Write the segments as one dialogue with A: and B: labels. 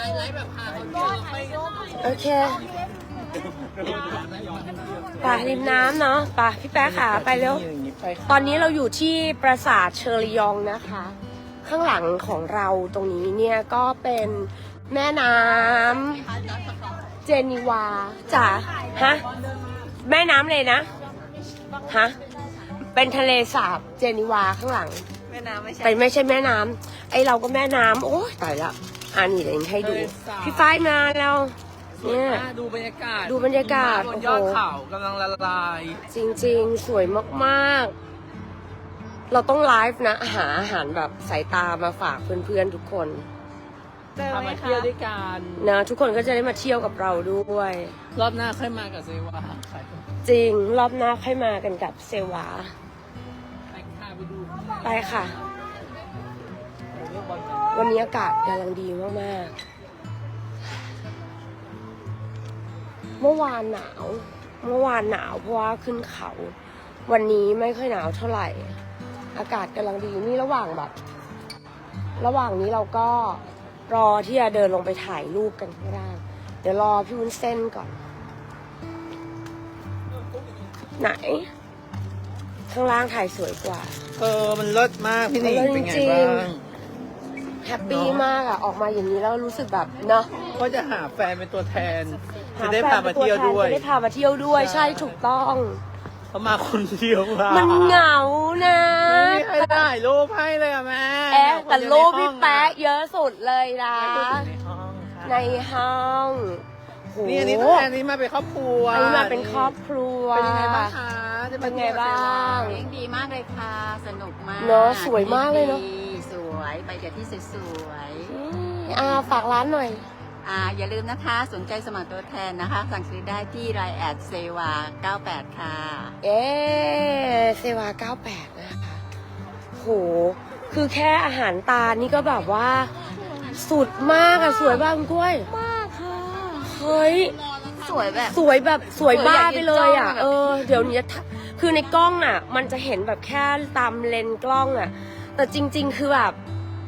A: โอเคป่าริมน้ำเนาะป่าพี่แป๊ะค่ะไปเร็วตอนนี้เราอยู่ที่ปราสาทเชอริยองนะคะ ข้างหลังของเราตรงนี้เนี่ยก็เป็นแม่น้ำเจนีวาจ้ะฮะแม่น้ำเลยนะฮะเป็นทะเลสาบเจนีวาข้างหลัง
B: แม่น้ำไม่ใช่
A: แต่ไม่ใช่แม่น้ำไอเราก็แม่น้ำโอ้ยตายละนี่เดี๋ยวให้ดูพี่ฝ้ายมาแล้วเนี่ย
B: ดูบรรยากาศ
A: ดูบรรยากาศ
B: บนยอดเขากำลังละลาย
A: จริงๆสวยมากๆเราต้องไลฟ์นะหาอาหารแบบสายตามาฝากเพื่อนๆทุกคน
B: พามาเที่ยวด้วยกัน
A: นะทุกคนก็จะได้มาเที่ยวกับเราด้วย
B: รอบหน้าค่อยมากับเซวา
A: จริงรอบหน้าค่อยมากันกับเซวา
B: ไปดู
A: ไปค่ะวันนี้อากาศกำลังดีมากๆเมื่อวานหนาวเพราะว่าขึ้นเขา วันนี้ไม่ค่อยหนาวเท่าไหร่อากาศกำลังดีนี่ระหว่างนี้เราก็รอที่จะเดินลงไปถ่ายรูปกันข้างล่างเดี๋ยวรอพี่วุ้นเส้นก่อนไหนข้างล่างถ่ายสวยกว่า
B: มันเลิศมากพี่หนิงเป็นไงบ้าง
A: แฮปปี้มากอะออกมาอย่างนี้แล้วรู้สึกแบบเนาะ
B: ก็จะหาแฟนเป็นตัวแทนจะได้พามาเที่ยวด้วย
A: จะได้พามาเที่ยวด้วยใช่ถูกต้อง
B: เขามาคนเดียว
A: มันเหงานะ
B: ไม่ให้ถ่ายรูปให้เลยอะแม่
A: แต่รูปพี่แป๊ะเยอะสุดเลยนะในห้อง
B: นี่อันนี้ตัวแทนนี้มาเป็นครอบครัว
A: อันนี้มาเป็นครอบครัว
B: เป็นยังไงบ้างคะ
A: เป็นไงบ้าง
C: เลี้ยงดีมากเลยค่ะสนุกมาก
A: เนาะสวยมากเลยเนาะ
C: สวยไปเดี๋ยวที่สวย
A: ฝากร้านหน่อย
C: อย่าลืมนะคะสนใจสมัครตัวแทนนะคะสั่งซื้อได้ที่ไลน์แอดเซวา98ค่ะ
A: เซวา98นะคะโหคือแค่อาหารตานี่ก็แบบว่าสุดมากอะสวยบ้างกล้วย
C: มากค่ะ
A: เฮ้ย
C: สวยแบบ
A: สวยบ้าไปเลยอะเดี๋ยวนี้คือในกล้องอะมันจะเห็นแบบแค่ตามเลนส์กล้องอะแต่จริงๆคือแบบ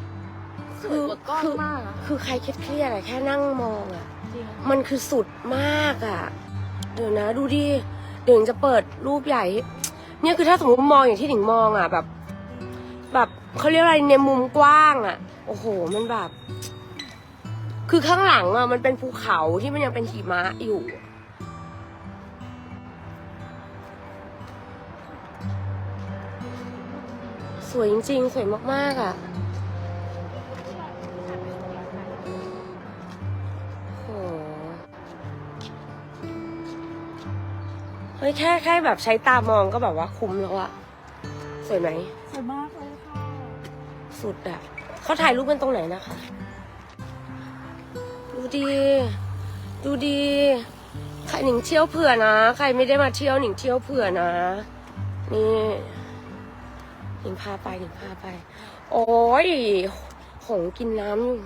A: คือใครเครียดอะแค่นั่งมองอะมันคือสุดมากอะเดี๋ยวนะดูดิเดี๋ยวจะเปิดรูปใหญ่เนี่ยคือถ้าสมมติมองอย่างที่หนิงมองอะแบบเขาเรียกอะไรในมุมกว้างอะโอ้โหมันแบบคือข้างหลังอะมันเป็นภูเขาที่มันยังเป็นหิมะอยู่สวยจริงๆสวยมากๆอะเฮ้ยแค่แบบใช้ตามองก็แบบว่าคุ้มแล้วอะสวยไหม
C: สวยมากเลยค่ะ
A: สุดอะเขาถ่ายรูปกันตรงไหนนะคะดูดีใครหนิงเที่ยวเผื่อนะใครไม่ได้มาเที่ยวหนิงเที่ยวเผื่อนะนี่หนิงพาไปโอ้ยหงกินน้ำอยู่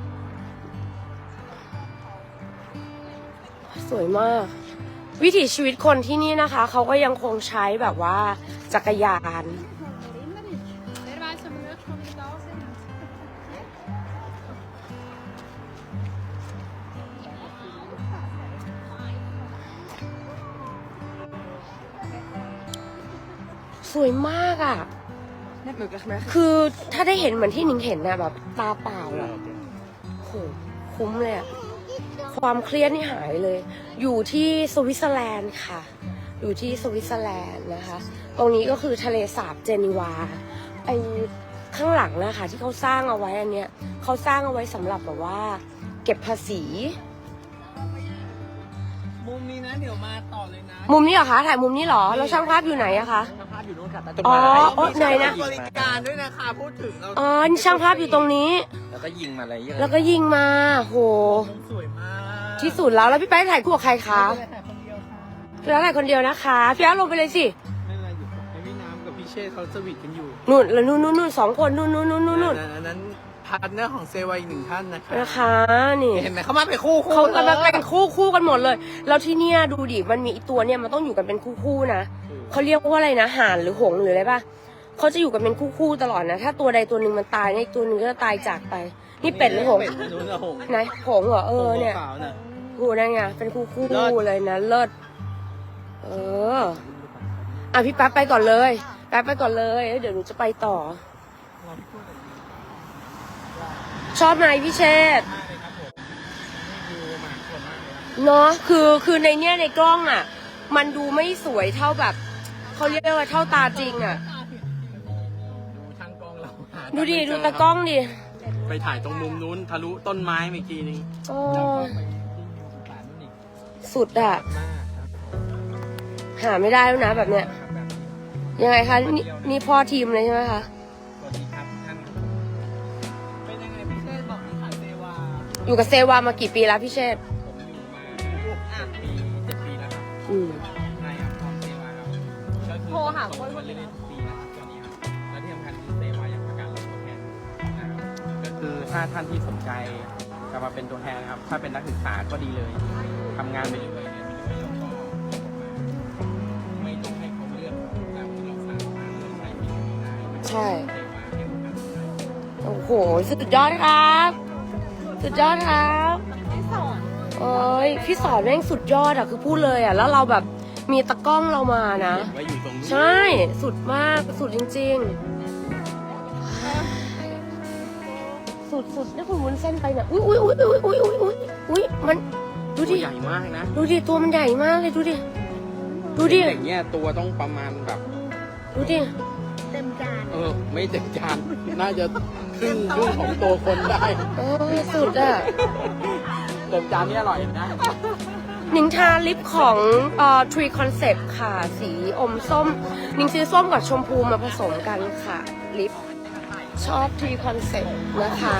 A: สวยมากวิถีชีวิตคนที่นี่นะคะเขาก็ยังคงใช้แบบว่าจักรยานสวยมากอ่ะคือถ้าได้เห็นเหมือนที่หนิงเห็นนะแบบตาเปล่าอ่ะโหคุ้มเลยอ่ะความเครียดนี่หายเลยอยู่ที่สวิตเซอร์แลนด์ค่ะอยู่ที่สวิตเซอร์แลนด์นะคะตรงนี้ก็คือทะเลสาบเจนีวาไอข้างหลังนะคะที่เขาสร้างเอาไว้อันเนี้ยเขาสร้างเอาไว้สำหรับแบบว่าเก็บภาษี
B: มุมนี้นะเดี๋ยวมาต่อเลยนะ
A: มุมนี้เหรอคะถ่ายมุมนี้เหรอแล้วช่างภาพอยู่ไหนอะคะ
B: ช่างภาพอยู่นู่นค่ะ
A: ไหนนะ
B: บริการด้วยนะคะพูดถึง
A: ช่างภาพอยู่ตรงนี้
B: แล้วก็ยิงมาอะไร
A: โห
B: สวยมาก
A: ที่สุดแล้วพี่แป๊ะถ่ายคู่กับใครคะแล้วถ่ายคนเดียวนะคะพี่แป๊ะลงไปเลยสิ
B: ไม่เป็นไรอยู่ให้พี่น้ำกับพี่เชษเขาสวีทกันอยู่
A: นู่นแล้วนู่น2 คนนู่น
B: อันนั้นพาร์ทเนอร์ของเซวาอีก1ท่าน
A: นะคะนี่
B: เห็นไหมเขามาเป็นคู่
A: เขากำลังเป็นคู่กันหมดเลยแล้วที่เนี่ยดูดิมันมีอีตัวเนี่ยมันต้องอยู่กันเป็นคู่นะเขาเรียกว่าอะไรนะห่านหรือหงส์หรืออะไรป่ะเขาจะอยู่กันเป็นคู่ตลอดนะถ้าตัวใดตัวหนึ่งมันตายอีกตัวหนึ่งก็จะตายจากไปนี่เป็ดหรือหงส์
B: เป็ดนู้นอะหงส์
A: ไหนหงส์เหรอเนี่ย
B: ขาวๆน่ะ
A: หูนั่นไงเป็นคู่
B: เลิศ
A: เลยนะเลิศอ่ะพี่แป๊บไปก่อนเลยแป๊บไปก่อนเลยเดี๋ยวหนูจะไปต่อ ชอบไหมพี่เชษฐ์เนาะคือในเนี้ยในกล้องอ่ะ มันดูไม่สวยเท่าแบบเขาเรียกว่าเท่าตาจริงอ่ะ
B: ดูช่างกล้องเราหา
A: ดูดิ
B: ไม่เจ
A: ดู
B: อ
A: ตากล้องดิ
B: ไปถ่ายตรงมุมนู้นทะลุต้นไม้เมื่อกี้นึง
A: โอ้สุดอ่ะ หาไม่ได้แล้วนะแบบเนี้ยยังไงคะนี่พ่อทีมเลยใช่ไหมคะ
B: สวัสดีครับท่านเป็นยังไงพี่เชษบอกที่ขายเซวา
A: อยู่กับเซวามากี่ปีแล้วพี่เชษฐ์
B: ผมอยู่มา7 ปีแล้วครับ
A: อืม
B: ใช่ครับพร้อมเซวาครับก็คือ
C: โทรหาคน
B: เรื่อยๆทุกปีนะครับตอนนี้ครับและที่สำคัญคือเซวายังประกาศรับตัวแทนนะครับก็คือถ้าท่านที่สนใจจะมาเป็นตัวแทนนะครับ ถ้าเป็นนักศึกษาก็ดีเลยทำงานไปเรื่อยๆเรียนไปเรื่อยๆแล้วก็ไม่ต้องให้เขาเลือกตามที่เราสั่งมาเลือกใช้ที่ไหนได้
A: ใช่
B: เซวาให้โอกาสได้
A: โอ้โหสุดยอดครับ สุดยอดครับเอ้ยพี่สอนแม่งสุดยอดอ่ะคือพูดเลยอ่ะแล้วเราแบบมีตะกล้องเรามานะ
B: เห็นว่าอยู่ตรงนี้
A: ใช่สุดมากสุดจริงๆ สุดนี่คุณวุ้นเส้นไปเนี่ยอุ้ยมันดู
B: ตัว
A: ดิ
B: ใหญ่มากนะ
A: ดูดิตัวมันใหญ่มากเลยดูดิดูดิ
B: อย่างเงี้ยตัวต้องประมาณแบบ
A: ดูดิ
B: ไม่เต็มจาน น่าจะครึ่งของตัวคนได้
A: โอ้ยสุดอ่ะ
B: เต็มจานนี่อร่อยนะ
A: หนิงทาลิปของTree Concept ค่ะ สีอมส้มหนิงซื้อส้มกับชมพูมาผสมกันค่ะ ลิปชอบ Tree Concept นะคะ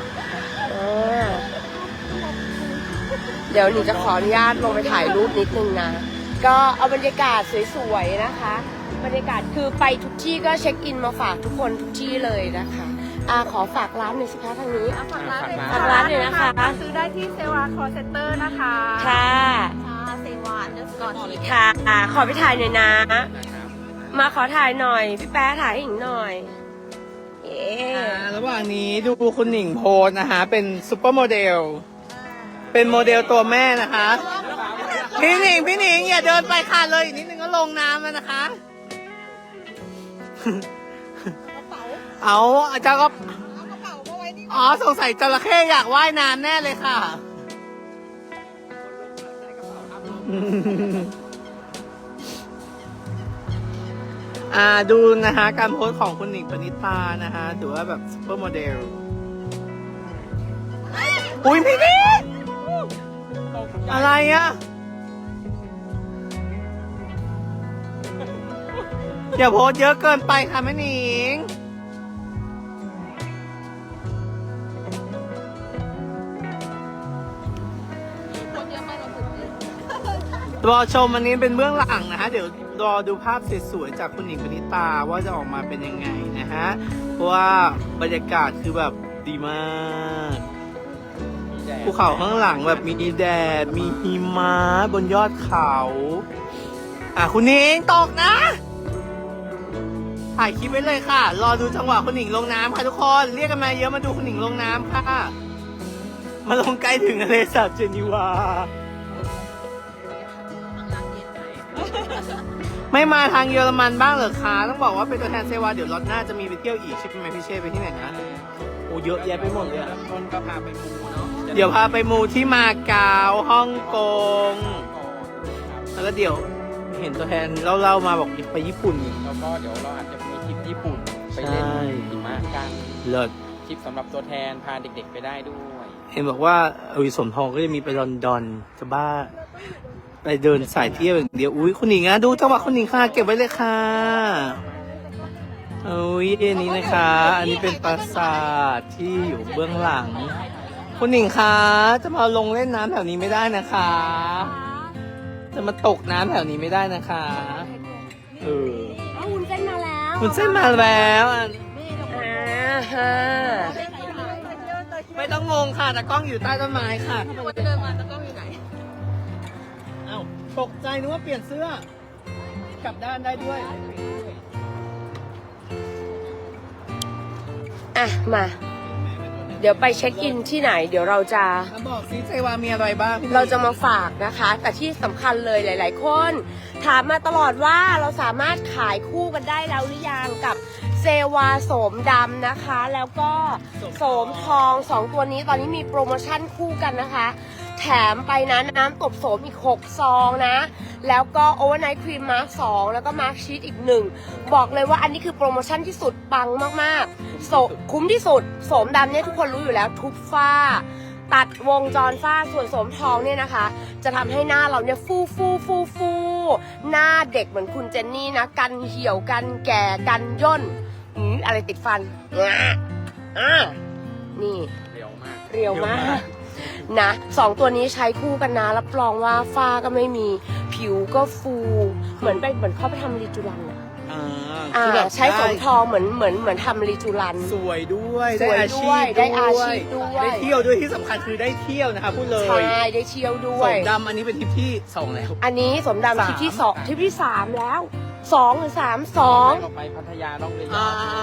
A: เดี๋ยวหนิงจะขออนุญาตลงไปถ่ายรูปนิดนึงนะ ก็เอาบรรยากาศสวยๆนะคะ บรรยากาศคือไปทุกที่ก็เช็คอินมาฝากทุกคนทุกที่เลยนะคะขอฝากร้านหน่อยสิคะทางนี้
C: ฝากร้านเลย
A: ฝากร้านเลยนะคะ
C: ซื้อได้ที่เซวาคอเซ็นเตอร์นะคะ
A: ค่ะ
C: เซวาเดสกอร์ที
A: ค่ะขอไปถ่ายหน่อยนะ มาขอถ่ายหน่อย พี่แป๊ะถ่ายให้หญิงหน่อย เอ๊ะ
B: ระหว่างนี้ดูคุณหนิงโพสนะคะ เป็นซุปเปอร์โมเดล เป็นโมเดลตัวแม่นะคะ พี่หนิงอย่าเดินไปค่ะเลยอีกนิดนึงก็ลงน้ำแล้วนะคะ เอาอาจารย์ก็อ๋อสงสัยจระเข้อยากว่ายน้ำแน่เลยค่ะ ดูนะคะการโพสของคุณหนิงปณิตานะคะถือว่าแบบซุปเปอร์โมเดล อุ้ยพี่นิดอะไรอ่ะ อย่าโพสเยอะเกินไปค่ะแม่หนิง รอชมอันนี้เป็นเบื้องหลังนะฮะเดี๋ยวรอดูภาพสวยๆจากคุณหนิงปณิตาว่าจะออกมาเป็นยังไงนะฮะเพราะว่าบรรยากาศคือแบบดีมากภูเขาข้างหลังแบบมีแดดมีหิมะบนยอดเขาคุณหนิงตกนะถ่ายคลิปไว้เลยค่ะ รอดูจังหวะคุณหนิงลงน้ำค่ะทุกคนเรียกกันมาเยอะมาดูคุณหนิงลงน้ำค่ะมาลงใกล้ถึงทะเลสาบเจนีวาไม่มาทางเยอรมันบ้างเหรอคะต้องบอกว่าเป็นตัวแทนเซวาเดี๋ยวรถหน้าจะมีไปเที่ยวอีกใช่ไหมพี่เช่ไปที่ไหนนะโอ้เยอะแยะไปหมดเลยต้นก็พาไปมูเนาะเดี๋ยวพาไปมูที่มาเก๊าฮ่องกงแล้วก็เดี๋ยวเห็นตัวแทนเล่ามาบอกไปญี่ปุ่นแล้วก็เดี๋ยวเราอาจจะมีทริปญี่ปุ่นไปเล่นหิมะกันเลิศทริปสำหรับตัวแทนพาเด็กๆไปได้ด้วยเห็นบอกว่าสมทองก็จะมีไปลอนดอนจะบ้าไปเดินสายเที่ยวอย่างเดียวอุ้ยคุณหนิงดูจังหวะคุณหนิงค่ะเก็บไว้เลยค่ะอุ้ยอันนี้นะคะ อันนี้เป็นปราสาทที่อยู่เบื้องหลังคุณหนิงคะจะมาลงเล่นน้ำแถวนี้ไม่ได้นะคะ จะมาตกน้ำแถวนี้ไม่ได้นะคะ
A: หุ่นเส้นมาแล้ว
B: คุณเส้นมาแล้ว
A: ฮะ
B: ไม่ต้องงงค่ะแต่กล้องอยู่ใต้ต้นไม้ค่ะ
C: เดินมาตะกล้องอยู่ไหน
B: อ้าวตกใจนึกว่าเปลี่ยนเสื้อกลับด้านได้ด้วย
A: มาเดี๋ยวไปเช็คอินที่ไหน เดี๋ยวเราจะ
B: บอกซิเซวามีอะไรบ้าง
A: เราจะมาฝากนะคะ แต่ที่สำคัญเลยหลาย ๆ คนถามมาตลอดว่าเราสามารถขายคู่กันได้แล้วหรือยังกับเซวาโสมดำนะคะ แล้วก็โสมทอง2ตัวนี้ตอนนี้มีโปรโมชั่นคู่กันนะคะ แถมไปนะน้ำตบโสมอีก6ซองนะ แล้วก็โอเวอร์ไนท์ครีมมาร์ค2แล้วก็มาร์คชีสอีก1บอกเลยว่าอันนี้คือโปรโมชั่นที่สุดปังมากๆคุ้มที่สุดโสมดำเนี่ยทุกคนรู้อยู่แล้วทุบฝ้า ตัดวงจรฝ้าส่วนโสมทองเนี่ยนะคะ จะทำให้หน้าเราเนี่ยฟูหน้าเด็กเหมือนคุณเจนนี่นะกันเหี่ยวกันแก่กันย่นอะไรติดฟันนี่
B: เร็วมาก
A: เรียวมากนะ2ตัวนี้ใช้คู่กันนะรับรองว่าฝ้าก็ไม่มีผิวก็ฟูเหมือนเข้าไปทำรีจูรันอะใช้โสมทองเหมือนทำรีจูรัน
B: สวยด้วย
A: สวยด้วยได้อาชีพด้วย
B: ได้เที่ยวด้วยที่สำคัญคือได้เที่ยวนะคะพูดเลย
A: ใช่ได้เที่ยวด้ว
B: โส
A: ย
B: มดำอันนี้เป็นทริปที่2แล้ว
A: อันนี้สมดำทริปที่2ทริปที่3แล้ว2หรือ3
D: ไปพัทยาล่องเรือ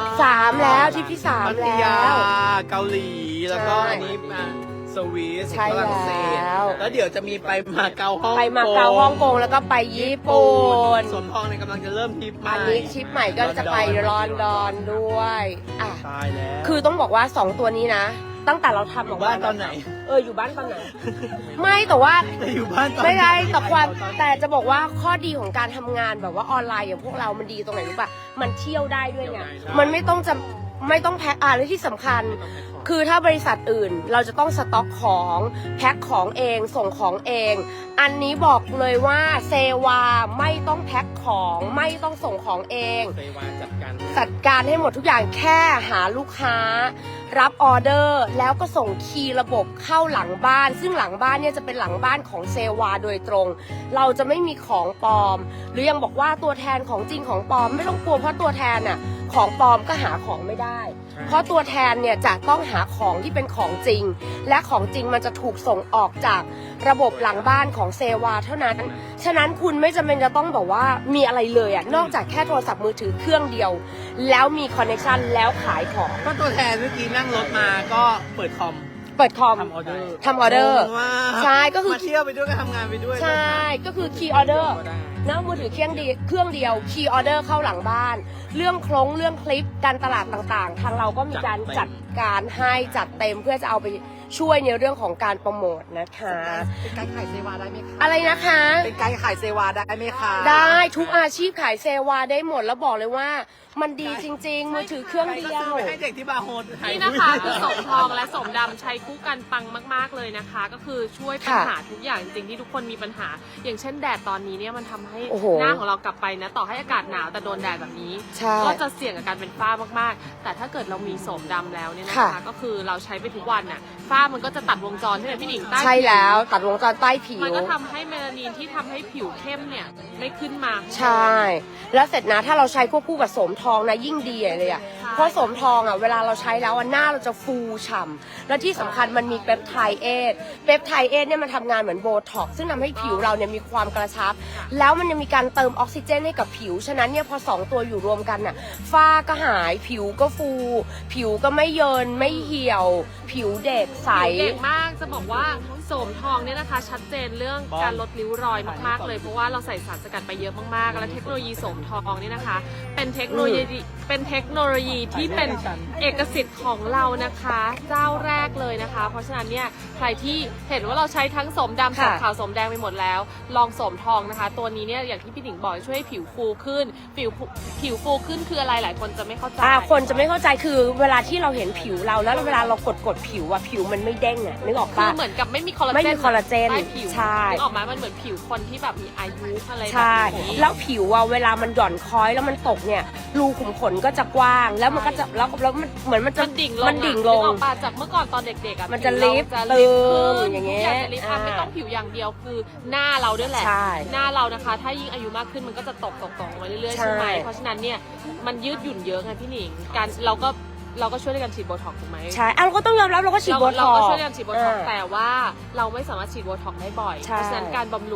A: 2 3แล้วทริปที่
B: พั
A: 3
B: ท
A: แล้
B: ยาว เกาหลีแล้วก็
A: ใช่
B: อันนี้สวีส
A: ใช่
B: ฝรั่งเศส
A: แล้ว
B: แล้วเดี๋ยวจะมีไปมาเก๊าฮ่อง
A: ไปมาเก๊าฮ่องกงแล้วก็ไปญี่ปุ่น
B: สมทองเนี่ยกำลังจะเริ่มทริปใหม่
A: อันนี้ทริปใหม่ก็จะไปลอนดอนด้วยอ่ะ
B: ตายแล้ว
A: คือต้องบอกว่า2ตัวนี้นะ ตั้งแต่เราทำ
B: อยู่บ้านตอนไหน
A: อยู่บ้านตอนไหน ไม่แต่ว่า
B: จะอยู่บ้านตอน
A: ไม่ได้
B: หน
A: แต่จะบอกว่าข้อดีของการทำงานแบบว่าออนไลน์อย่างพวกเรามันดีตรงไหนรู้ป่ะมันเที่ยวได้ด้วยไงมันไม่ต้องแพ็คและที่สำคัญ คือถ้าบริษัทอื่นเราจะต้องสต็อกของแพ็คของเองส่งของเอง อันนี้บอกเลยว่าเซวาไม่ต้องแพ็คของไม่ต้องส่งของเอง
D: เซวาจัดการ
A: จัดการให้หมดทุกอย่างแค่หาลูกค้า รับออเดอร์แล้วก็ส่งคีย์ระบบเข้าหลังบ้าน ซึ่งหลังบ้านเนี่ยจะเป็นหลังบ้านของเซวาโดยตรง เราจะไม่มีของปลอม หรือยังบอกว่าตัวแทนของจริงของปลอมไม่ต้องกลัวเพราะตัวแทนน่ะของปลอมก็หาของไม่ได้ เพราะตัวแทนเนี่ยจะต้องหาของที่เป็นของจริง และของจริงมันจะถูกส่งออกจากระบบหลังบ้านของเซวาเท่านั้น ฉะนั้นคุณไม่จำเป็นจะต้องแบบว่ามีอะไรเลยอ่ะนอกจากแค่โทรศัพท์มือถือเครื่องเดียว แล้วมีคอนเนคชันแล้วขายของ
B: ก็ตัวแทนเมื่อกี้นั่งรถมาก็เปิดคอม
A: เปิดคอม
B: ทำออเดอร์
A: ทำออเดอร์
B: งงมาก
A: ใช่ก็คือ
B: มาเที่ยวไปด้วยก็ทำงานไปด้วย
A: ใช่ก็คือคีย์ออเดอร์นะมือถือเครื่องเดียวคีย์ออเดอร์เข้าหลังบ้าน เรื่องโครงเรื่องคลิปการตลาดต่างๆ ทางเราก็มีการจัดการให้จัดเต็มเพื่อจะเอาไปช่วยในเรื่องของการโปรโมทนะคะ
C: เป็นไกด์ขายเซวาได้ไหมคะ
A: อะไรนะคะ
C: เป็นไกด์ขายเซวาได้ไหมคะ
A: ได้ทุกอาชีพขายเซวาได้หมดแล้วบอกเลยว่ามันดีจริงๆ มือถือเครื่องเดียว
B: ไปให้เด็กที่บาร์โฮส
E: นี่นะคะคือสมทองและสมดำใช้คู่กันปังมากๆเลยนะคะ ก็คือช่วยปัญหาทุกอย่างจริงๆที่ทุกคนมีปัญหา อย่างเช่นแดดตอนนี้เนี่ยมันทำให้
A: โอ้โห
E: หน้าของเรากลับไปนะต่อให้อากาศหนาวแต่โดนแดดแบบนี้
A: ใช่
E: ก็จะเสี่ยงกับการเป็นฝ้ามากๆ แต่ถ้าเกิดเรามีสมดำแล้วเนี่ยนะ
A: ค่ะ
E: คะก็คือเราใช้ไปทุกวันน่ะฝ้ามันก็จะตัดวงจรใช่ไหมพี่หนิงใต้
A: ใช่
E: ผิ
A: แล้วตัดวงจรใต้ผิว
E: มันก็ทำให้เมลานินที่ทำให้ผิวเข้มเนี่ยไม่ขึ้นมา
A: ใช่ แล้วเสร็จนะถ้าเราใช้ควบคู่กับโสมทองนะยิ่งดีเลยอ่ะ
E: ใช่
A: เพราะโสมทองอ่ะเวลาเราใช้แล้วหน้าเราจะฟูฉ่ำและที่สำคัญมันมีเปปไทด์เอทเนี่ยมันทำงานเหมือนโบท็อกซ์ซึ่งทำให้ผิวเราเนี่ยมีความกระชับ แล้วมันยังมีการเติมออกซิเจนให้กับผิว ฉะนั้นเนี่ยพอ2ตัวอยู่รวมกันน่ะฝ้าก็หายผิวก็ฟู ผิวก็ไม่เยินไม่เหี่ยว ผิวเด็กใส
E: เก่งมากจะบอกว่าโสมทองเนี่ยนะคะชัดเจนเรื่องการลดริ้วรอยมากๆเลยเพราะว่าเราใส่สารสกัดไปเยอะมากๆและเทคโนโลยีโสมทองเนี่ยนะคะ เป็นเทคโนโลยีที่เป็นเอกสิทธิ์ของเรานะคะ เจ้าแรกเลยนะคะ เพราะฉะนั้นเนี่ยใครที่เห็นว่าเราใช้ทั้งโสมดำโส
A: ค่ะ
E: มขาวโสมแดงไปหมดแล้ว ลองโสมทองนะคะ ตัวนี้เนี่ยอย่างที่พี่หนิงบอกช่วยให้ผิวฟูขึ้นผิวฟูขึ้นคืออะไรหลายคนจะไม่เข้าใจ
A: คนจะไม่เข้าใจคือเวลาที่เราเห็นผิวเราแล้วเวลาเรากดผิวอะผิวมันไม่เด้งอะนึกออก
E: คื
A: ปะ
E: อเหมือนกับไม่มีคอลลาเจน
A: ไม่มีคอลลาเจน
E: ใต้ผิว
A: ใช่
E: นึกออกไหมมันเหมือนผิวคนที่แบบมีอายุอะไรแบบ
A: ใช่
E: นี้
A: แล้วผิวอะเวลามันหย่อนคล้อยแล้วมันตกเนี่ยรูขุมขนก็จะกว้าง แล้วมันก็จะแล้วมันเหมือนมันจะ
E: มันดิ่งลง
A: มันดิ่งลง
E: นึกออกปะจากเมื่อก่อนตอนเด็กๆอ่ะ
A: มันจะ
E: ผิว
A: ลิฟต์
E: เรา
A: ตึง
E: ขึ้น
A: อย่างเงี้ย
E: ทุกอย่างจะลิฟต์ไม่ต้องผิวอย่างเดียวคือหน้าเราด้วยแหละ
A: ใช่
E: หน้าเรานะคะ ถ้ายิ่งอายุมากขึ้นมันก็จะตกมาเรื่อยๆ
A: ใช่
E: ใช่ไหมเพราะฉะนั้นเนี่ยมันยืดหยุ่นเยอะไงพี่หนิงการเราก็ช่วยในการฉีดโบท็อกซ์ถูกไหม
A: ใช่เราก็ต้องยอมรับเราก็ฉีดโบท็
E: เรา
A: อก
E: ก็
A: ซ์
E: ช่วยในการฉีดโบท็อกซ์แต่ว่าเราไม่สามารถฉีดโบท็อกซ์ได้บ่อย
A: ใช่
E: เพราะฉะนั้นการบำรุง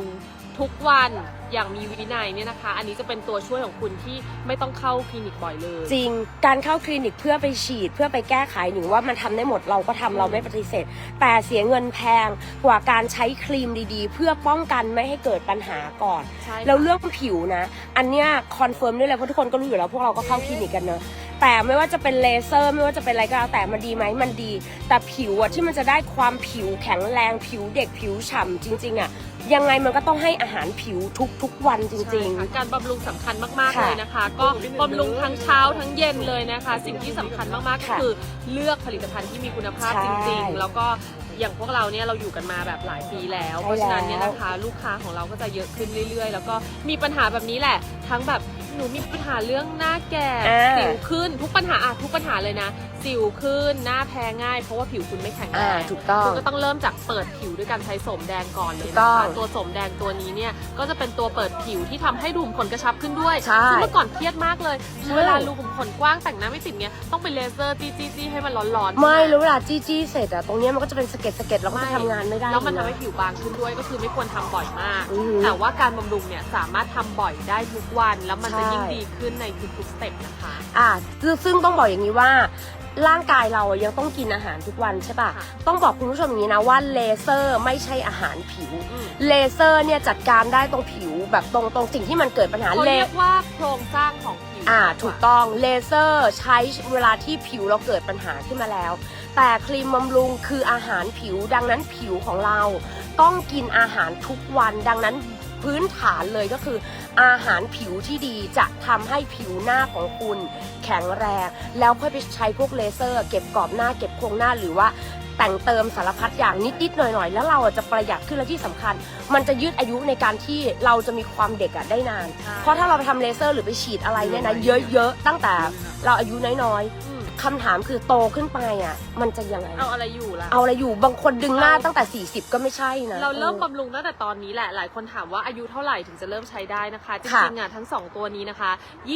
E: ทุกวันอย่างมีวินัยเนี่ยนะคะ อันนี้จะเป็นตัวช่วยของคุณที่ไม่ต้องเข้าคลินิกบ่อยเลย
A: จริงการเข้าคลินิกเพื่อไปฉีดเพื่อไปแก้ไขหนึ่งว่ามันทำได้หมดเราก็ทำเราไม่ปฏิเสธ แต่เสียเงินแพงกว่าการใช้ครีมดีๆ เพื่อป้องกันไม่ให้เกิดปัญหาก่อน
E: ใช่ค่ะ
A: แล้วเรื่องผิวนะอันเนี้ยคอนเฟิร์มได้เลยเพราะทุกคนก็รู้อยู่แล้วพวกเราก็เข้าคลินิกกันเนอะแต่ไม่ว่าจะเป็นเลเซอร์ไม่ว่าจะเป็นอะไรก็แล้วแต่มันดีไหมมันดี แต่ผิวอะที่มันจะได้ความผิวแข็งแรงผิวเด็กผิวฉ่ำจริงๆอะยังไงมันก็ต้องให้อาหารผิวทุกๆวันจริง
E: ใช่ค่ะการบำรุงสำคัญมากๆ
A: ค่ะ
E: เลยนะคะ ก็บำรุงทั้งเช้าทั้งเย็นเลยนะคะ สิ่งที่สำคัญมากๆก็
A: ค่ะ
E: คือเลือกผลิตภัณฑ์ที่มีคุณภาพ
A: ใช่
E: จริงๆ แล้วก็อย่างพวกเราเนี่ยเราอยู่กันมาแบบหลายปีแล้ว
A: ใช่
E: เพราะฉะนั้นเนี่ย
A: แล้ว
E: นะคะ ลูกค้าของเราก็จะเยอะขึ้นเรื่อยๆ แล้วก็มีปัญหาแบบนี้แหละ ทั้งแบบหนูมีปัญหาเรื่องหน้าแก่สิวขึ้นทุกปัญหาทุกปัญหาเลยนะสิวขึ้นหน้าแพ้ง่ายเพราะว่าผิวคุณไม่แข็งแรง
A: ถูกต้อง
E: คุณก็ต้องเริ่มจากเปิดผิวด้วยการใช้โสมแดงก่อนเลย
A: ถูกต้
E: นะ
A: อง
E: คะตัวโสมแดงตัวนี้เนี่ยก็จะเป็นตัวเปิดผิวที่ทำให้รูขุมขนกระชับขึ้นด้วย
A: ใช่
E: ซึ่งเมื่อก่อนเครียดมากเลย
A: ใช่
E: เวลารูขุมขนกว้างแต่งหน้าไม่ติดเนี่ยต้องไปเลเซอร์จี้ให้มันร้อนๆ
A: ไม่แล้วเวลาจี้เสร็จอะตรงเนี้ยมันก็จะเป็นสะเก็ดแล้วก็จะทำงานไม่ได้
E: แล้วมันทำ
A: ะ
E: ให้ผิวบางขึ้นด้วยก็คือไม่ควรทำบ่อยมาก
A: อือหือ
E: แต่ว่าการบำรุงเนี่ยสามารถทำบ่อยได้ทุกวัน แล้วมันจะ
A: ใช่
E: ยิ่งดีขึ้นในทุกๆสเต็ปนะคะ
A: ซึ่งต้องบอกอย่างนี้ว่าร่างกายเรายังต้องกินอาหารทุกวันใช่ป่ะ
E: ค่ะ
A: ต้องบอกคุณผู้ชมอย่างนี้นะว่าเลเซอร์ไม่ใช่อาหารผิว
E: อืม
A: เลเซอร์เนี่ยจัดการได้ตรงผิวแบบตรงสิ่งที่มันเกิดปัญหา
E: เขาเรียกว่าโครงสร้างของผิว
A: ถูกต้องเลเซอร์ใช้เวลาที่ผิวเราเกิดปัญหาขึ้นมาแล้ว แต่ครีมบำรุงคืออาหารผิวดังนั้นผิวของเราต้องกินอาหารทุกวันดังนั้นพื้นฐานเลยก็คืออาหารผิวที่ดีจะทำให้ผิวหน้าของคุณแข็งแรงแล้วค่อยไปใช้พวกเลเซอร์ เก็บกรอบหน้าเก็บโครงหน้าหรือว่าแต่งเติมสารพัดอย่างนิดๆหน่อยๆแล้วเราจะประหยัดขึ้นและที่สำคัญ มันจะยืดอายุในการที่เราจะมีความเด็กได้นาน
E: ใช่
A: เพราะถ้าเราไปทำเลเซอร์หรือไปฉีดอะไรเนี่ยนะเยอะๆตั้งแต่เราอายุน้อย
E: อืม
A: ๆคำถามคือโตขึ้นไปอ่ะมันจะยังไง
E: เอาอะไรอยู่ล่ะ
A: เอาอะไรอยู่บางคนดึงหน้าตั้งแต่40ก็ไม่ใช่นะ
E: เราเริ่มบำรุงตั้งแต่ตอนนี้แหละ หลายคนถามว่าอายุเท่าไหร่ถึงจะเริ่มใช้ได้นะคะ จ
A: ค่ะ
E: ริงๆอ่ะทั้ง 2 ตัวนี้นะคะ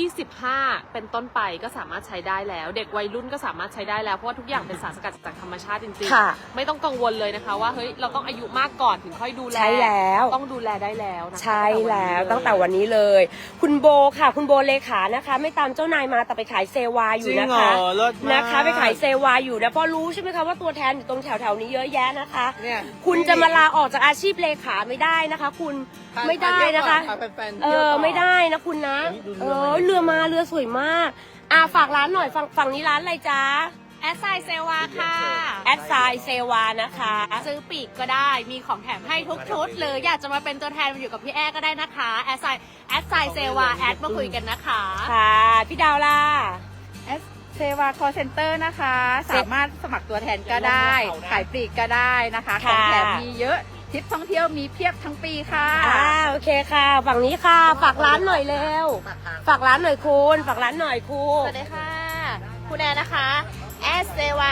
E: 25 เป็นต้นไปก็สามารถใช้ได้แล้ว เด็กวัยรุ่นก็สามารถใช้ได้แล้ว เพราะว่าทุกอย่างเป็นสารสกัดจากธรรมชาติจริง
A: ค่ะ
E: ๆ ไม่ต้องกังวลเลยนะคะว่าเฮ้ยเราต้องอายุมากก่อนถึงค่อยดูแล
A: ใช่แล้ว
E: ต้องดูแลได้แล้วนะคะ
A: ใช่แล้วตั้งแต่วันนี้เลย คุณโบค่ะ คุณโบเลขานะคะ ไม่ตามเจ้านายมาแต่ไปขายเซวาอยู่
B: จริง
A: นะ
B: เหร
A: คะ
B: อเลิศมาก
A: นะคะไปขายเซวาอยู่นะเพราะรู้ใช่ไหมคะว่าตัวแทนอยู่ตรงแถวๆนี้เยอะแยะนะคะ
B: เนี่ย
A: คุณจะมาลาออกจากอาชีพเลขาไม่ได้นะคะ คุณไม่ได้นะคะ
B: พาแฟนๆเที่ยวต่อ
A: ไม่ได้นะคุณนะ
B: เฮ้ยดูเรือมา
A: เรือสวยมากฝากร้านหน่อยฝั่งนี้ร้านอะไรจ๊ะ
D: แอดไซเซวาค่ะ
A: แอดไซเซวานะคะ
D: ซื้อปีกก็ได้ มีของแถมให้ทุกชุด หรืออยากจะมาเป็นตัวแทนมาอยู่กับพี่แอ้ก็ได้นะคะแอดไซเซวาแอดมาคุยกันนะคะ
A: ค่ะพี่ดาวล่ะ
C: เซวาคอเซ็นเตอร์นะคะ สามารถสมัครตัวแทนก็ได้ ขายปลีกก็ได้นะคะ ของแถมมีเยอะทริปท่องเที่ยวมีเพียบทั้งปีค่ะ
A: โอเคค่ะ ฝั่งนี้ค่ะ ฝากร้านหน่อยเร็ว ฝากร้านหน่อยคุณฝากร้านหน่อยครู
D: สวัสดีค่ะ คุณแอนนะคะแอดเซวา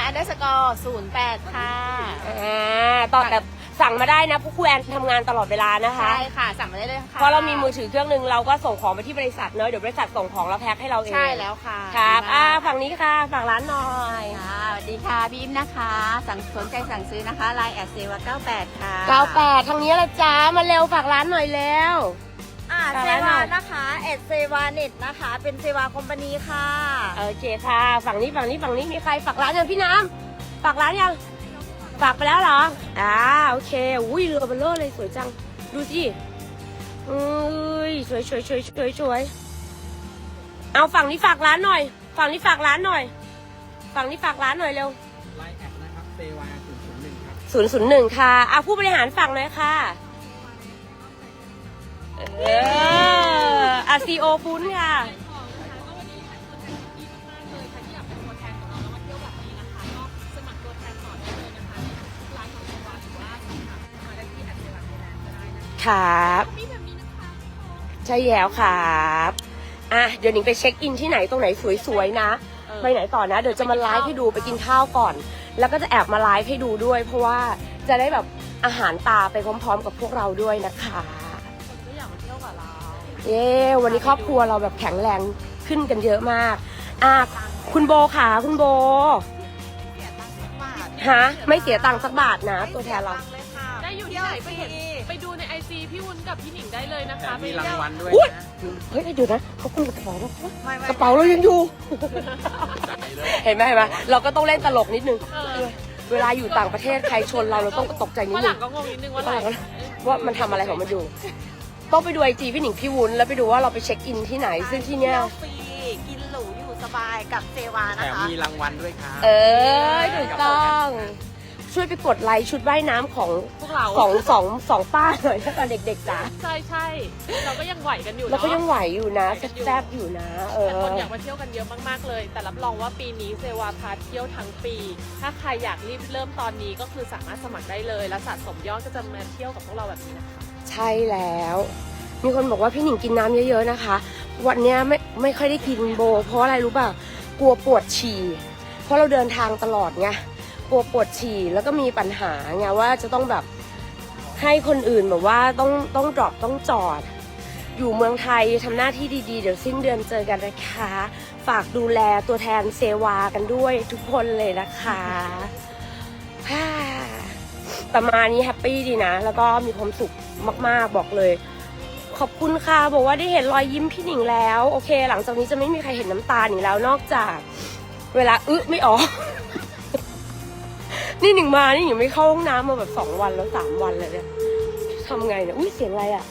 D: _08 ค่ะ
A: ตอบแบบสั่งมาได้นะพวกครูแอนทำงานตลอดเวลานะคะ
D: ใช่ค่ะ สั่งมาได้เลยค่ะ
A: เพราะเรามีมือถือเครื่องหนึงเราก็ส่งของไปที่บริษัทเนอะเดี๋ยวบริษัทส่งของแล้วแพ็คให้เราเอง
D: ใช่แล้วค่ะ
A: ครับ
D: ดีมาก
A: ฝั่งนี้ค่ะฝากร้านหน่อย
C: ค่ะสวัสดีค่ะพี่อิมนะคะสนใจสั่งซื้อนะคะไลน์แอดเซวา98ค่ะ
A: 98ทางนี้ละจ้ามาเร็วฝากร้านหน่อยเร็ว
F: เซวานะคะเอ็ดเซวาเน็ตนะคะ เป็นเซวาคอมพานีค่ะ
A: โอเคค่ะ ฝั่งนี้มีใครฝากร้านยังพี่น้ำฝากร้านยังฝากไปแล้วเหรอโอเคอุ้ยเรือเบลเลอร์เลยสวยจังดูสิสวยเอาฝั่งนี้ฝากร้านหน่อยฝั่งนี้ฝากร้านหน่อยเร็ว
B: ไลน์แอดนะครับเซวา001ครับ
A: 001ค่ะผู้บริหารฝั่งหน่อยค่ะซีโอปุ้นค่ะ ครับใช่แล้วครับเดี๋ยวหนิงไปเช็คอินที่ไหนตรงไหนสวยๆนะไปไหนต่อนะเดี๋ยวจะมาไลฟ์ให้ดูไปกินข้าวก่อน แล้วก็จะแอบมาไลฟ์ให้ดูด้วย เพราะว่าจะได้แบบอาหารตาไปพร้อมๆกับพวกเราด้วยนะคะวันนี้ครอบครัวเราแบบแข็งแรงขึ้นกันเยอะมากคุณโบค่ะคุณโบไม่เสียตังค์สักบาทนะตัวแทนเรา
E: ได้อยู่ที่ไหนไปดูในไอจีพี่วุ้นกับพี่หนิงได้เลยนะคะ
B: มีรางวัลด้วย
A: อุ๊ย
B: นะ
A: เฮ้ยเดี๋ยวนะเขาคุณกระเป๋าแล้ว
F: ไม่
A: กระเป๋าเรายังอยู่ เห็นไหมเราก็ต้องเล่นตลกนิดนึง เวลาอยู่ต่างประเทศใครชนเราต้องตกใจนิด
E: ว่าห
A: นึ
E: ลั
A: ง
E: งก็งงนิดนึงว่าอะไร
A: ว่ามันทำอะไรของมันอยู่ ต้องไปดูไอจีพี่หนิงพี่วุ้นแล้วไปดูว่าเราไปเช็คอินที่ไหน ซึ่งที่เนี้ย
F: ฟรีกินหรูอยู่สบายกับเซวา
B: แถ
F: นะ
B: ม
F: คะ
B: มีรางวัลด้วยครับ
A: ถูกต้อง ช่วยไปกดไลค์ชุดว่ายน้ำของ
E: พวกเรา
A: สองป้าหน่อยถ้าตอนเด็กๆจ้ะ
E: ใช่เราก็ยังไหวกันอยู่
A: เรา
E: เนาะ
A: ก็ยังไหวอยู่นะแซ่บๆอยู่นะ
E: แต่คนอยากมาเที่ยวกันเยอะมากๆเลย แต่รับรองว่าปีนี้เซวาพาเที่ยวทั้งปี ถ้าใครอยากรีบเริ่มตอนนี้ก็คือสามารถสมัครได้เลย และสะสมยอดก็จะมาเที่ยวกับพวกเราแบบนี้นะคะ
A: ใช่แล้ว มีคนบอกว่าพี่หนิงกินน้ำเยอะๆนะคะ วันเนี้ยไม่ค่อยได้กินโบ เพราะอะไรรู้ป่ะกลัวปวดฉี่เพราะเราเดินทางตลอดไงกลัวปวดฉี่แล้วก็มีปัญหาไงว่าจะต้องแบบให้คนอื่นแบบว่าต้องดรอปต้องจอด อยู่เมืองไทยทำหน้าที่ดีๆเดี๋ยวสิ้นเดือนเจอกันนะคะฝากดูแลตัวแทนเซวากันด้วยทุกคนเลยนะคะประมาณนี้แฮปปี้ดีนะ แล้วก็มีความสุขมากๆบอกเลย ขอบคุณค่ะบอกว่าได้เห็นรอยยิ้มพี่หนิงแล้วโอเค หลังจากนี้จะไม่มีใครเห็นน้ำตาหนิงแล้วนอกจากเวลาไม่ออก นี่หนิงมานี่หนิงไม่เข้าห้องน้ำมาแบบ2 วันแล้ว3 วันเลยเนี่ยทำไงเนี่ยอุ้ยเสียงอะไรอ่ะ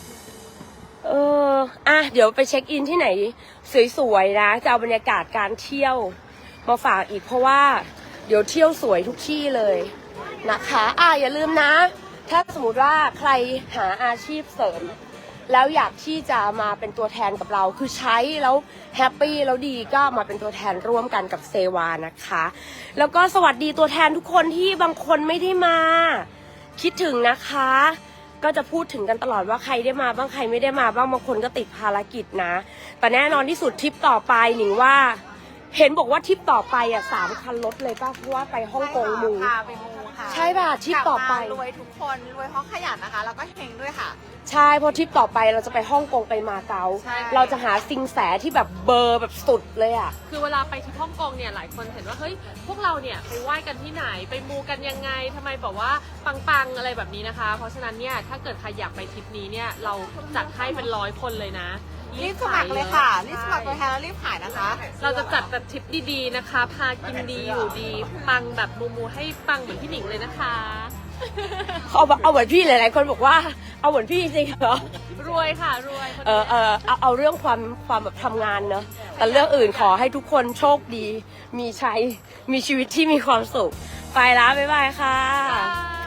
A: เดี๋ยวไปเช็คอินที่ไหนสวยๆนะจะเอาบรรยากาศการเที่ยวมาฝากอีกเพราะว่าเดี๋ยวเที่ยวสวยทุกที่เลยนะคะอย่าลืมนะถ้าสมมติว่าใครหาอาชีพเสริมแล้วอยากที่จะมาเป็นตัวแทนกับเราคือใช้แล้วแฮปปี้แล้วดีก็มาเป็นตัวแทนร่วมกันกับเซวานะคะแล้วก็สวัสดีตัวแทนทุกคนที่บางคนไม่ได้มาคิดถึงนะคะก็จะพูดถึงกันตลอดว่าใครได้มาบ้างใครไม่ได้มาบ้างบางคนก็ติดภารกิจนะแต่แน่นอนที่สุดทริปต่อไปหนิงว่าเห็นบอกว่าทริปต่อไป3 คันรถเลยป่ะเพราะว่าไปฮ่องกงมู
F: พาไปมูค่ะ
A: ใช่ป่ะทริปต่อไป
F: กลับมารวยทุกคนรวยเพราะขยันนะคะ แล้วก็เฮงด้วยค่ะ
A: ใช่เพราะทริปต่อไปเราจะไปฮ่องกงไปมาเก๊า
F: ใช่
A: เราจะหาซิงแสที่แบบเบอร์แบบสุดเลยอ่ะ
E: คือเวลาไปที่ฮ่องกงเนี่ยหลายคนเห็นว่าเฮ้ยพวกเราเนี่ยไปไหว้กันที่ไหนไปมูกันยังไงทำไมบอกว่าปังๆอะไรแบบนี้นะคะ เพราะฉะนั้นเนี่ยถ้าเกิดใครอยากไปทริปนี้เนี่ยเราจัดให้เป็น100 คนเลยนะ
F: รีบสมัครเลยค่ะ รีบสมัครตัวแทนแล้วรีบขายนะคะ
E: เราจะจัดแบบทริปดีๆนะคะ พากินดีอยู่ดีปังแบบมูให้ปังเหมือนพี่หนิงเลยนะคะ
A: เอาเหมือนพี่หลายๆคนบอกว่าเอาเหมือนพี่จริงเหรอ
E: รวยค่ะรวยคน
A: เอาเรื่องความแบบทำงานเนอะแต่เรื่องอื่นขอให้ทุกคนโชคดีมีชัยมีชีวิตที่มีความสุขไปละบ๊ายบายค่ะ
E: นี้